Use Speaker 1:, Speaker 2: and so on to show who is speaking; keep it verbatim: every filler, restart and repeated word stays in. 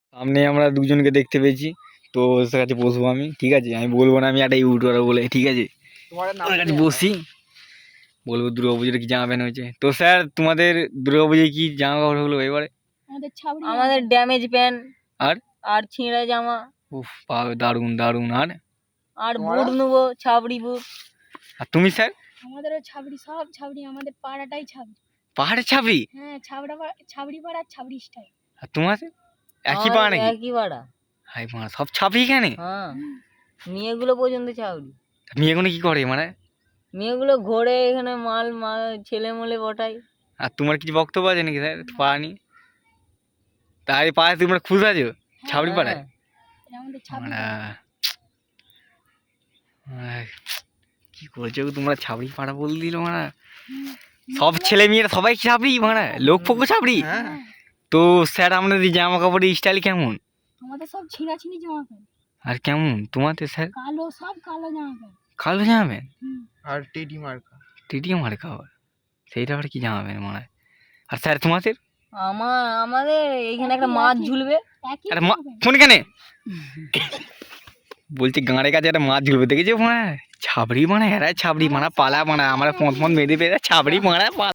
Speaker 1: সামনে আমরা দুজনকে দেখতে পেয়েছি, তো ওর কাছে বসবো আমি, ঠিক আছে? আমি বলবো না আমি একটা ইউটিউবার বলে, ঠিক আছে? ওর কাছে বসি, বলবো দুর্গাপুজোর কি জামা প্যান্ট হয়েছে। তো স্যার তোমাদের দুর্গাপুজোয় কি জামা কাপড় হলো এবারে?
Speaker 2: আমাদের ড্যামেজ প্যান্ট
Speaker 1: আর
Speaker 2: আর ছিঁড়া জামা।
Speaker 1: উফ বাবা, দারুণ দারুণ। আর
Speaker 2: আর বুট নেবো, ছাবড়ি বুট।
Speaker 1: আর তুমি স্যার?
Speaker 3: আমাদেরও ছাবড়ি, সব ছাবড়ি, আমাদের পাড়াটাই ছাবড়ি।
Speaker 1: পাহাড়ে ছাবড়ি?
Speaker 3: হ্যাঁ, ছাবড়া ছাবড়ি পাড়া, ছাবড়ি স্টাইল।
Speaker 1: আর তোমার একই পাড়া নাকি?
Speaker 2: একই পাড়া।
Speaker 1: হাই মা, সব ছাবড়ি এখানে?
Speaker 2: হ্যাঁ, মেয়েগুলো পর্যন্ত ছাবড়ি।
Speaker 1: মেয়েগুলো কি করে মানে?
Speaker 2: মেয়েগুলো ঘোরে এখানে, মাল মাল ছেলে মলে বটাই।
Speaker 1: আর তোমার কিছু বক্তব্য আছে নাকি স্যার পাড়া নিয়ে? তাই পাড়ায় তোমরা খুশ আছো ছাবড়ি পাড়ায়?
Speaker 3: আমাদের ছাবড়ি।
Speaker 1: কি করছো তোমরা, ছাবড়ি পাড়া বল দিল মারা। সব ছেলে মেয়েরা সবাই ছাবড়ি মারা, লোক পোকো ছাবড়ি। তো স্যার আমাদের জামা কাপড়ের স্টাইল কেমন?
Speaker 3: আমাদের সব ছিঁড়া ছিঁড়ি জামা প্যান্ট।
Speaker 1: আর কেমন তোমাদের স্যার?
Speaker 3: কালো, সব কালো জামা প্যান্ট।
Speaker 1: কালো জামা প্যান্ট
Speaker 4: আর টিটি মার্কা।
Speaker 1: টিটি মার্কা আবার, সেইটা আবার কি জামা প্যান্ট মনে হয়? আর স্যার তোমাদের?
Speaker 2: আমার আমাদের এইখানে একটা মাছ ঝুলবে।
Speaker 1: আরে মা ফোন কেনে বলছি গাঁড়ের কাছে একটা মাছ ঝুলবে, দেখেছো? মানে ছাবড়ি মানে এরা ছাবড়ি মানা পালা মানা, আমরা পথ পথ মেয়েদের পেয়ে ছাবড়ি মানা।